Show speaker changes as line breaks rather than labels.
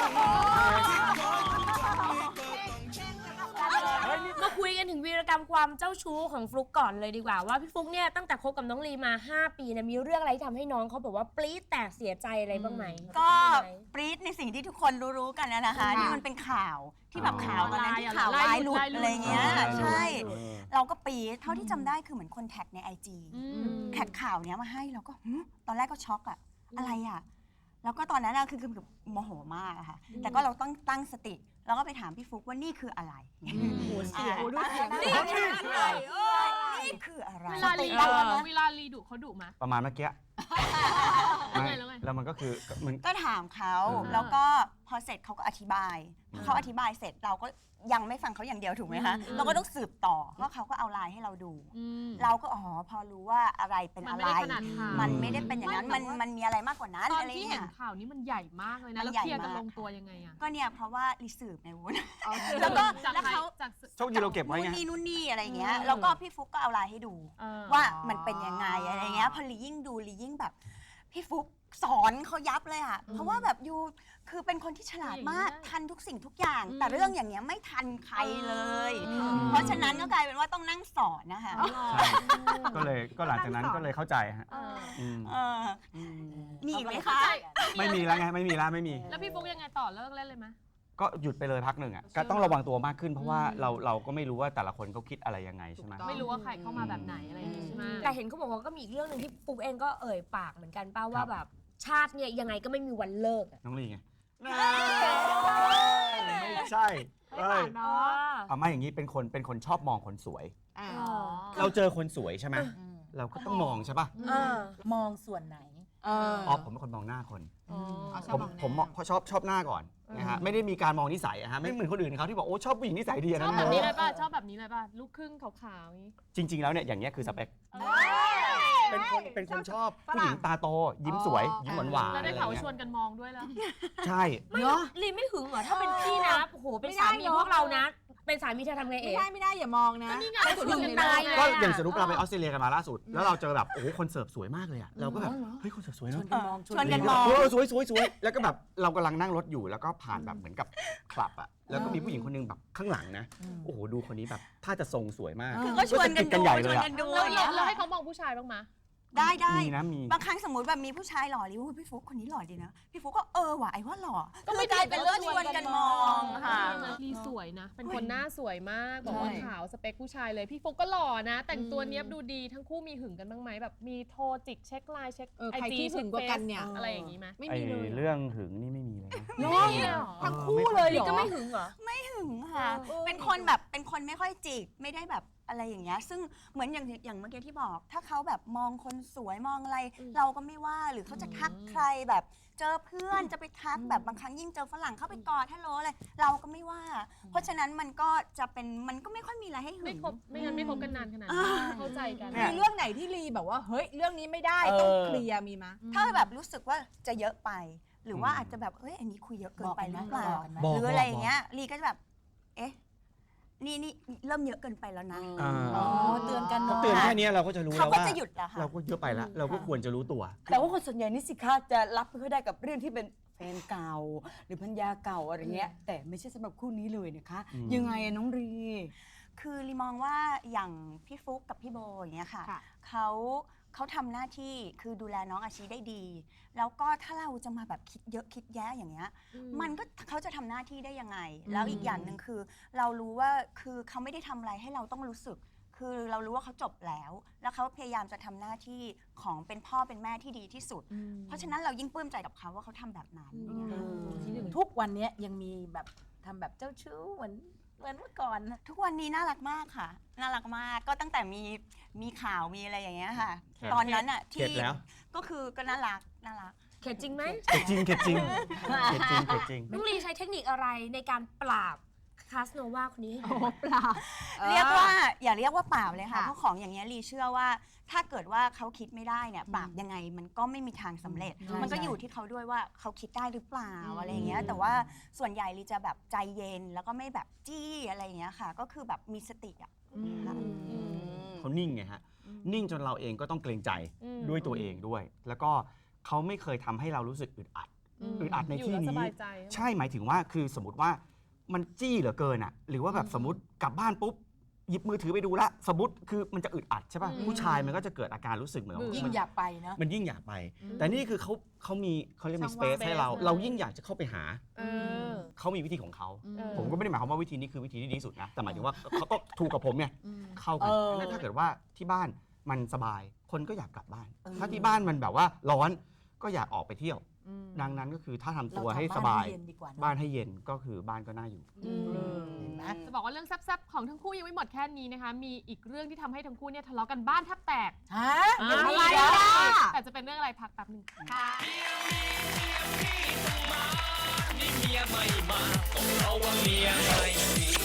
มาคุยกันถึงวีรกรรมความเจ้าชู้ของฟลุ๊กก่อนเลยดีกว่าว่าพี่ฟลุ๊กเนี่ยตั้งแต่คบกับน้องลีมา5 ปีเนี่ยมีเรื่องอะไรที่ทำให้น้องเขาแบบว่าปรี๊ดแตกเสียใจอะไรบ้างไหม
ก็ปรี๊ดในสิ่งที่ทุกคนรู้กันนะคะที่มันเป็นข่าวที่แบบข่าวตอนนั้นที่ข่าวไลน์หลุดอะไรเงี้ยใช่เราก็ปรี๊ดเท่าที่จำได้คือเหมือนคนแท็กใน IG แท็กข่าวเนี้ยมาให้เราก็ตอนแรกก็ช็อกอะอะไรอะแล้วก็ตอนนั้นคือโมโหมากอะค่ะแต่ก็เราต้องตั้งสติแล้วก็ไปถามพี่ฟุ๊กว่านี่คืออะไร
เสียงดูเสียง
นี่คืออะไรนี่คืออะไร
เวลาลีดุเขาดุไหม
ประมาณเมื่อกี้แล้วมันก็คือมัน
ก็ถามเขาแล้วก็พอเสร็จเขาก็อธิบายเขาอธิบายเสร็จเราก็ยังไม่ฟังเขาอย่างเดียวถูกไหมคะเราก็ต้องสืบต่อว่าเขาก็เอาไลน์ให้เราดูเราก็พอรู้ว่าอะไรเป็นอะไรมันไม่ได้เป็นอย่างนั้นมันมีอะไรมากกว่านั้น
ตอนที่เห็นข่าวนี้มันใหญ่มากเลยนะแล้วเคลียร์กันลงตัวยังไงอะ
ก็เนี่ยเพราะว่ารีสืบในวุ้น
แล้
วเขา
โชคดีเราเก็บไว้ไง
นู่นนี่อะไรเงี้ยแล้วก็พี่ฟุ๊กก็เอาไลน์ให้ดูว่ามันเป็นยังไงอะไรเงี้ยพอลียิ่งดูลียิ่งแบบพี่ฟุ๊กสอนเขายับเลยอะเพราะว่าแบบยูคือเป็นคนที่ฉลาดมากทันทุกสิ่งทุกอย่างแต่เรื่องอย่างเงี้ยไม่ทันใครเลยเพราะฉะนั้นก็กลายเป็นว่าต้องนั่งสอนนะคะ
ก็หลังจากนั้นก็เลยเข้าใจฮะ
มีไหมคะ
ไม่มีแล้วไงไม่มี
แล้วพี่ฟุ๊กยังไงต่อเลิกเล่นเลยไหม
ก็หยุดไปเลยพักหนึ่งอ่ะก็ต้องระวังตัวมากขึ้นเพราะว่าเราก็ไม่รู้ว่าแต่ละคนเขาคิดอะไรยังไงใช่ไหม
ไม่รู้ว่าใครเข้ามาแบบไหนอะไรอย่างงี้ใช่ไหม
แต่เห็นเขาบอกว่าก็มีอีกเรื่องหนึ่งที่ฟุ๊กเองก็เอ่ยปากเหมือนกันป้าว่าแบบชาติเนี่ยยังไงก็ไม่มีวันเลิก
น้องลีไงไม่ใช่ไม่อย่างนี้เป็นคนชอบมองคนสวยเราเจอคนสวยใช่ไหมเราก็ต้องมองใช่ป่ะ
มองส่วนไหน
ผมเป็นคนมองหน้าคนผมชอบหน้าก่อนนะฮะไม่ได้มีการมองนิสัยฮะไม่เหมือนคนอื่นเขาที่บอกโอ้ชอบผู้หญิงนิสัยดีนะ
ชอบแบบนี้เลยป่ะชอบแบบนี้เลยป่ะลูกครึ่งขาวๆนี้
จริงๆแล้วเนี่ยอย่างเงี้ยคือสเปคเป็นคนชอบผู้หญิงตาโตยิ้มสวยยิ้มหวานๆ
แล้วได้เขาชวนกันมองด้วยแล้ว
ใช่
ลีไม่หึงเหรอถ้าเป็นพี่นะโอ้โหเป็นสามีพวกเรานะเป็นสามีเธอทำไงเอง
ไม่ได้อย่ามองนะ
ไปสุดกันตายเลย
ก็อย่างสรุปเราไปออสเตรเลียกันมาล่าสุดแล้วเราเจอแบบโอ้โหคนเสิร์ฟสวยมากเลยอ่ะเราก็แบบเฮ้ยคนเสิร์ฟสวยเนอะ
ชวนกันมอง
สวยแล้วก็แบบเรากำลังนั่งรถอยู่แล้วก็ผ่านแบบเหมือนกับคลับอ่ะแล้วก็มีผู้หญิงคนนึงแบบข้างหลังนะโอ้โหดูคนนี้แบบถ้าจะทรงสวยมาก
ก็ชวนกันใหญ่เลย
เราให้เขามองผู้ชายบ้างไหม
ได้บางครั้งสมมติแบบมีผู้ชายหล่อริ้วพี่ฟุ๊กคนนี้หล่อดีนะพี่ฟุ๊กก็ว่ะไอ้ว่าหล่อก็ไม่ได้เป็นเรื่องชวนกันมองค่ะ
ลีสวยนะเป็นคนหน้าสวยมากบอกว่าขาวสเปคผู้ชายเลยพี่ฟุ๊กก็หล่อนะแต่งตัวเนี้ยดูดีทั้งคู่มีหึงกันบ้างไหมแบบมีโทรจิกเช็คไลน์เช็คไอจี
หึงกว่ากันเนี่ย
อะไรอย่างงี้ไหม
ไม่มีเลยเรื่องหึงนี่ไม่มีเลยนะ
ทั้งคู่เลย
ลีก็ไม่หึงเหรอ
ไม่หึงค่ะเป็นคนแบบเป็นคนไม่ค่อยจิกไม่ได้แบบอะไรอย่างเงี้ยซึ่งเหมือนอย่างเมื่อกี้ที่บอกถ้าเขาแบบมองคนสวยมองอะไรเราก็ไม่ว่าหรือเขาจะทักใครแบบเจอเพื่อนจะไปทักแบบบางครั้งยิ่งเจอฝรั่งเข้าไปกอดฮัลโหลอะไรเราก็ไม่ว่าเพราะฉะนั้นมันก็จะเป็นมันก็ไม่ค่อยมีอะไรให้หึง
ไม่งั้นไม่คบกันนานขนาดนี้เข้าใจกัน
มีเรื่องไหนที่ลีแบบว่าเฮ้ยเรื่องนี้ไม่ได้ต้องเคลียร์มีมั้ย
ถ้าแบบรู้สึกว่าจะเยอะไปหรือว่าอาจจะแบบเฮ้ยอันนี้คุยเยอะเกินไปหรือเปล่าหรืออะไรอย่างเงี้ยลีก็จะแบบเอ๊ะนี่เริ่มเยอะเกินไปแล้วนะ
เตือนกัน
เตือนแค่นี้เราก็จะรู้แล้วว่า
เขาก็จะหยุดแล้วค่ะ
เราก็เยอะไปแล้วเราก็ควรจะรู้ตัว
แต่ว่าคนส่วนใหญ่นี่สิคะจะรับไม่ค่อยได้กับเรื่องที่เป็นแฟนเก่าหรือภรรยาเก่าอะไรเงี้ยแต่ไม่ใช่สำหรับคู่นี้เลยนะคะยังไงน้องรี
คือลีมองว่าอย่างพี่ฟุ๊กกับพี่โบอย่างเงี้ยค่ะเขาทำหน้าที่คือดูแลน้องอาชีได้ดีแล้วก็ถ้าเราจะมาแบบคิดเยอะคิดแยะอย่างเงี้ยมันก็เขาจะทำหน้าที่ได้ยังไงแล้วอีกอย่างหนึ่งคือเรารู้ว่าคือเขาไม่ได้ทำอะไรให้เราต้องรู้สึกคือเรารู้ว่าเขาจบแล้วเขาพยายามจะทำหน้าที่ของเป็นพ่อเป็นแม่ที่ดีที่สุดเพราะฉะนั้นเรายิ่งปลื้มใจกับเขาว่าเขาทำแบบนั้น
ทุกวันนี้ยังมีแบบทำแบบเจ้าชู้เหมือนเมื่อก่อน
ทุกวันนี้น่ารักมากค่ะน่ารักมากก็ตั้งแต่มีข่าวมีอะไรอย่างเงี้ยค่ะตอนนั้นอ่ะที่ก็คือก็น่ารัก
เข็ดจริงไหม
เข็ดจริง
น้องลีใช้เทคนิคอะไรในการปราบคาสโนวาคนนี้ให้
ปราบ
เรียกว่าอย่าเรียกว่าปราบเลยค่ะเพราะของอย่างเงี้ยลีเชื่อว่าถ้าเกิดว่าเขาคิดไม่ได้เนี่ยปราบยังไงมันก็ไม่มีทางสำเร็จมันก็อยู่ที่เขาด้วยว่าเขาคิดได้หรือเปล่าอะไรเงี้ยแต่ว่าส่วนใหญ่ลีจะแบบใจเย็นแล้วก็ไม่แบบจี้อะไรเงี้ยค่ะก็คือแบบมีสติอ่ะ
เขานิ่งไงฮะนิ่งจนเราเองก็ต้องเกรงใจด้วยตัวเองด้วยแล้วก็เขาไม่เคยทำให้เรารู้สึกอึดอัดอึดอัดใน
อยู่
ที่
แล้วส
นี้
บายใจ
ใช่หมายถึงว่าคือสมมติว่ามันจี้เหลือเกินอ่ะหรือว่าแบบสมมติกลับบ้านปุ๊บหยิบมือถือไปดูละสมมติคือมันจะอึดอัดใช่ป่ะ
อืม
ผู้ชายมันก็จะเกิดอาการรู้สึกเหมือน
ยิ่ง
มัน
อยากไปเนาะ
มันยิ่งอยากไป แต่นี่คือเขามีเขาเรียกมี
ช่
ส
อง
เป
ว่าง
ซให้เรา
space
เรายิ่งอยากจะเข้าไปหา
เออ
เขามีวิธีของเขา
เออ
ผมก็ไม่ได้หมายความว่าวิธีนี้คือวิธีที่ดีที่สุดนะแต่หมายถึงว่าเขาก็ถูกกับผมไง
อืม
เข้ากัน
เออ
แล้วถ้าเกิดว่าที่บ้านมันสบายคนก็อยากกลับบ้าน ถ้าที่บ้านมันแบบว่าร้อนก็อยากออกไปเที่ยว ดังนั้นก็คือถ้าทำตัวให้สบาย
เรทำบ้นเย็นดีกว่าเนอะ
บ้านให้เย็นก็คือบ้านก็น่าอยู่
เห็นไหม
จะบอกว่าเรื่องแซ่บๆของทั้งคู่ยังไม่หมดแค่นี้นะคะ มีอีกเรื่องที่ทำให้ทั้งคู่เนี่ยทะเลาะกันบ้านแทบแตก
ฮะยังมี
อะไร
เหรอ
อ่ะแต่จะเป็นเรื่องอะไรพักแป๊บหนึงค่ะ
เมียไม่มาต้องเราว่าเมียไม่มี